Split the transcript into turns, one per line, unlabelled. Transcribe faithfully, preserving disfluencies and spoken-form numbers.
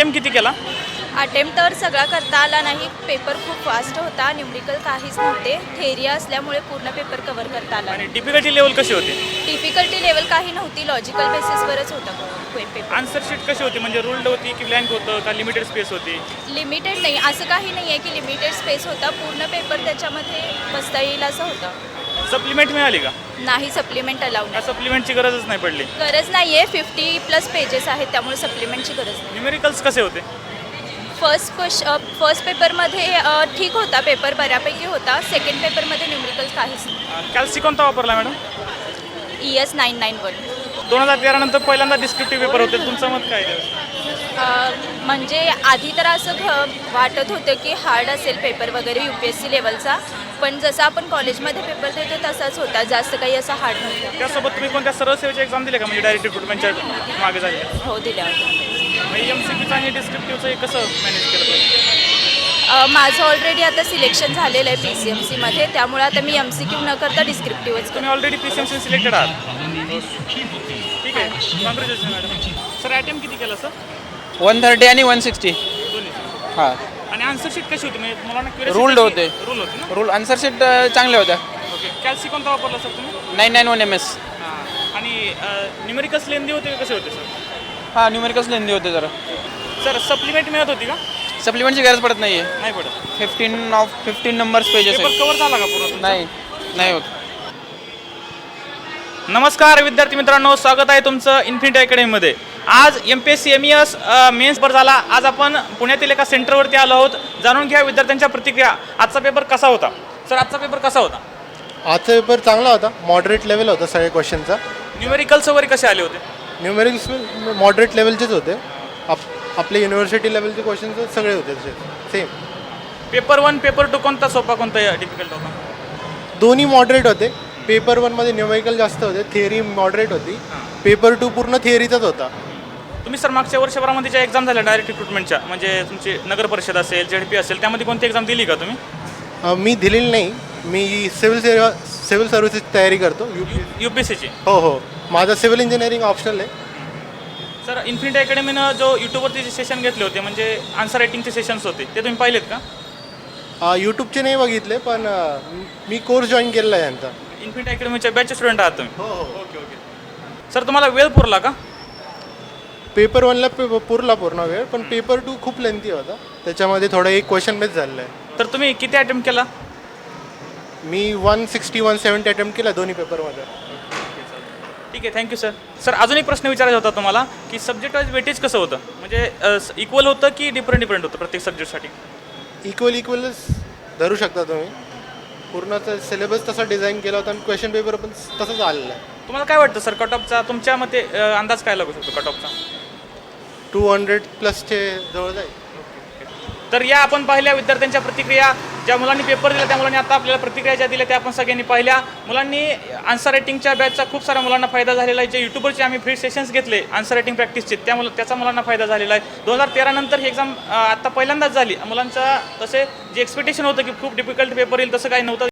Attempt किती केला?
Attempt तर सगळा करता आला नाही. पेपर खूप फास्ट होता. न्यूमरिकल काहीच नव्हते. थेरी असल्यामुळे पूर्ण पेपर कव्हर करता आला
आणि
नाही.
डिफिकल्टी लेवल कशी होती?
डिफिकल्टी लेवल काही नव्हती. लॉजिकल बेसिसवरच होता पेपर.
आन्सर शीट कशी होती? म्हणजे रूल्ड होती की ब्लँक होतं का लिमिटेड स्पेस होती?
लिमिटेड नाही, असं काही नाही आहे की लिमिटेड स्पेस होता. पूर्ण पेपर त्याच्यामध्ये बसता येईल असं होतं.
सप्लिमेंट मिळाली का?
नाही, सप्लिमेंट अलाउड
का
नाही.
सप्लिमेंटची गरजच नाही पडली?
गरज नाही आहे. फिफ्टी प्लस पेजेस आहेत, त्यामुळे सप्लिमेंटची गरज नाही.
न्यूमेरिकल्स कसे होते?
फर्स्ट क्वेश फर्स्ट पेपरमध्ये अ, ठीक होता, पेपर बऱ्यापैकी होता. सेकंड पेपरमध्ये न्यूमरिकल्स काहीच नाही.
कॅल्सी कोणता वापरला madam?
E S nine nine one.
दोन हजार तेरा नंतर पहिल्यांदा डिस्क्रिप्टिव्ह पेपर होते, तुमचं मत काय आहे?
अ, म्हणजे आधी तर असं घ वाटत होतं की हार्ड असेल पेपर वगैरे यू पी एस सी लेवलचा, पण जसं आपण कॉलेजमध्ये पेपर देतो तसाच होता, जास्त काही असं हार्ड नव्हतं.
त्यासोबत तुम्ही कोणत्या सरळ सेवेची एक्झाम दिली का, म्हणजे डायरेक्ट रिक्रुटमेंटच्या मागे झाली?
हो, दिल्या होत्या.
एम सी क्यूचं आणि डिस्क्रिप्टिव्हचं हे कसं मॅनेज केलं पाहिजे?
अ, माझं ऑलरेडी आता सिलेक्शन झालेलं आहे पी सी एम सीमध्ये, त्यामुळे आता मी एम सी क्यू न करता डिस्क्रिप्टिव्हच
तुम्ही already P C M C selected आहात? ठीक आहे, कॉंग्रॅच्युलेशन मॅडम. सर अटेम्प्ट किती केला सर?
वन थर्टी आणि वन सिक्स्टी.
दोन्ही.
हां,
आणि आन्सर शीट कशी होती? म्हणजे मुलांना
Ruled होते.
रूल होते ना?
रूल आन्सर शीट चांगल्या होत्या.
ओके. कॅल्सी कोणता वापरला सर तुम्ही?
Nine nine one M S.
हां. आणि न्यूमेरिकल्स लेंदी होते का कसे होते सर?
हां, न्यूमेरिकल्स लेंदी होते जरा.
सर सप्लिमेंट मिळत होती का?
सप्लिमेंटची गरज पडत नाही आहे.
नाही पडत.
Fifteen of fifteen numbers pages
paper
आहेत.
कव्हर झाला का पूर्ण तुमचा?
नाही नाही होत.
नमस्कार विद्यार्थी मित्रांनो, स्वागत आहे तुमचं इन्फिनिटी अकॅडमीमध्ये. आज M P S C M E S mains paper झाला. आज आपण पुण्यातील एका सेंटरवरती आलो आहोत. जाणून घ्या विद्यार्थ्यांच्या प्रतिक्रिया. आजचा पेपर कसा होता? सर आजचा पेपर कसा होता?
आजचा पेपर चांगला होता. मॉडरेट लेवल होता सगळ्या क्वेश्चनचा.
न्यूमेरिकल्स वगैरे कसे आले होते?
न्यूमेरिक्स मॉडरेट लेवलचेच होते. आप आपले युनिव्हर्सिटी लेवलचे क्वेश्चन सगळे होते तसे same.
Paper one paper two कोणता सोपा कोणता डिफिकल्ट होता?
दोन्ही मॉडरेट होते. पेपर वनमध्ये न्यूमेरिकल जास्त होते, थिअरी मॉडरेट होती. पेपर टू पूर्ण थिअरीचाच होता.
तुम्ही सर मागच्या वर्षभरामध्ये ज्या एक्झाम झाल्या डायरेक्ट रिक्रुटमेंटच्या, म्हणजे तुमची नगर परिषद असेल, झेड पी असेल, त्यामध्ये कोणती एक्झाम दिली का तुम्ही?
अ, मी दिलेली नाही. मी सिव्हिल सेवा सिव्हिल सर्व्हिसेसची तयारी करतो. यू
यू पी एस सीची.
हो हो माझं सिव्हिल इंजिनिअरिंग ऑप्शनल आहे.
सर इन्फिनिटी अकॅडमीनं जो यूट्यूबवरती जे सेशन घेतले होते, म्हणजे आन्सर रायटिंगचे सेशन्स होते, ते तुम्ही पाहिलेत का?
यूट्यूबचे नाही बघितले, पण अ, मी कोर्स जॉईन केलेला आहे यांचा.
इन्फिनिटी अकॅडमीच्या बॅचचे स्टुडंट आहात तुम्ही?
हो हो
ओके ओके. सर तुम्हाला वेळ पुरला का?
पेपर वनला पे पुरला पूर्ण वेळ, पण पेपर टू खूप लेंथी होता. त्याच्यामध्ये थोडं एक क्वेश्चन मिस झालेलं आहे.
तर तुम्ही किती अटेम्प्ट केला?
मी one sixty one seventy attempt केला दोन्ही पेपरमध्ये.
ठीक आहे, थँक्यू सर. सर अजून एक प्रश्न विचारायचा होता तुम्हाला, की सब्जेक्ट वाईज वेटेज कसं होतं? म्हणजे इक्वल होतं की डिफरंट डिफरंट होतं प्रत्येक सब्जेक्टसाठी?
इक्वल इक्वलच धरू शकता तुम्ही. पूर्णचा सिलेबस तसा डिझाईन केला होता आणि क्वेश्चन पेपर पण तसंच आलेलं आहे.
तुम्हाला काय वाटतं सर, कट ऑफचा तुमच्या मते अ, अंदाज काय लागू शकतो कट ऑफचा?
टू हंड्रेड प्लसचे जवळ जाईल.
तर या आपण पाहिल्या विद्यार्थ्यांच्या प्रतिक्रिया. ज्या मुलांनी पेपर दिला त्या मुलांनी आता आपल्याला प्रतिक्रिया ज्या दिल्या त्या आपण सगळ्यांनी पाहिल्या. मुलांनी आन्सर रायटिंगच्या बॅचचा खूप साऱ्या मुलांना फायदा झालेला आहे. जे यूट्यूबवरचे आम्ही फ्री सेशन्स घेतले आन्सर रायटिंग प्रॅक्टिसचे, त्या मुलं त्याचा मुलांना फायदा झालेला आहे. दोन हजार तेरा नंतर ही एक्झाम आत्ता पहिल्यांदाच झाली. मुलांचा तसे जे एक्सपेक्टेशन होतं की खूप डिफिकल्ट पेपर येईल तसं काही नव्हतं.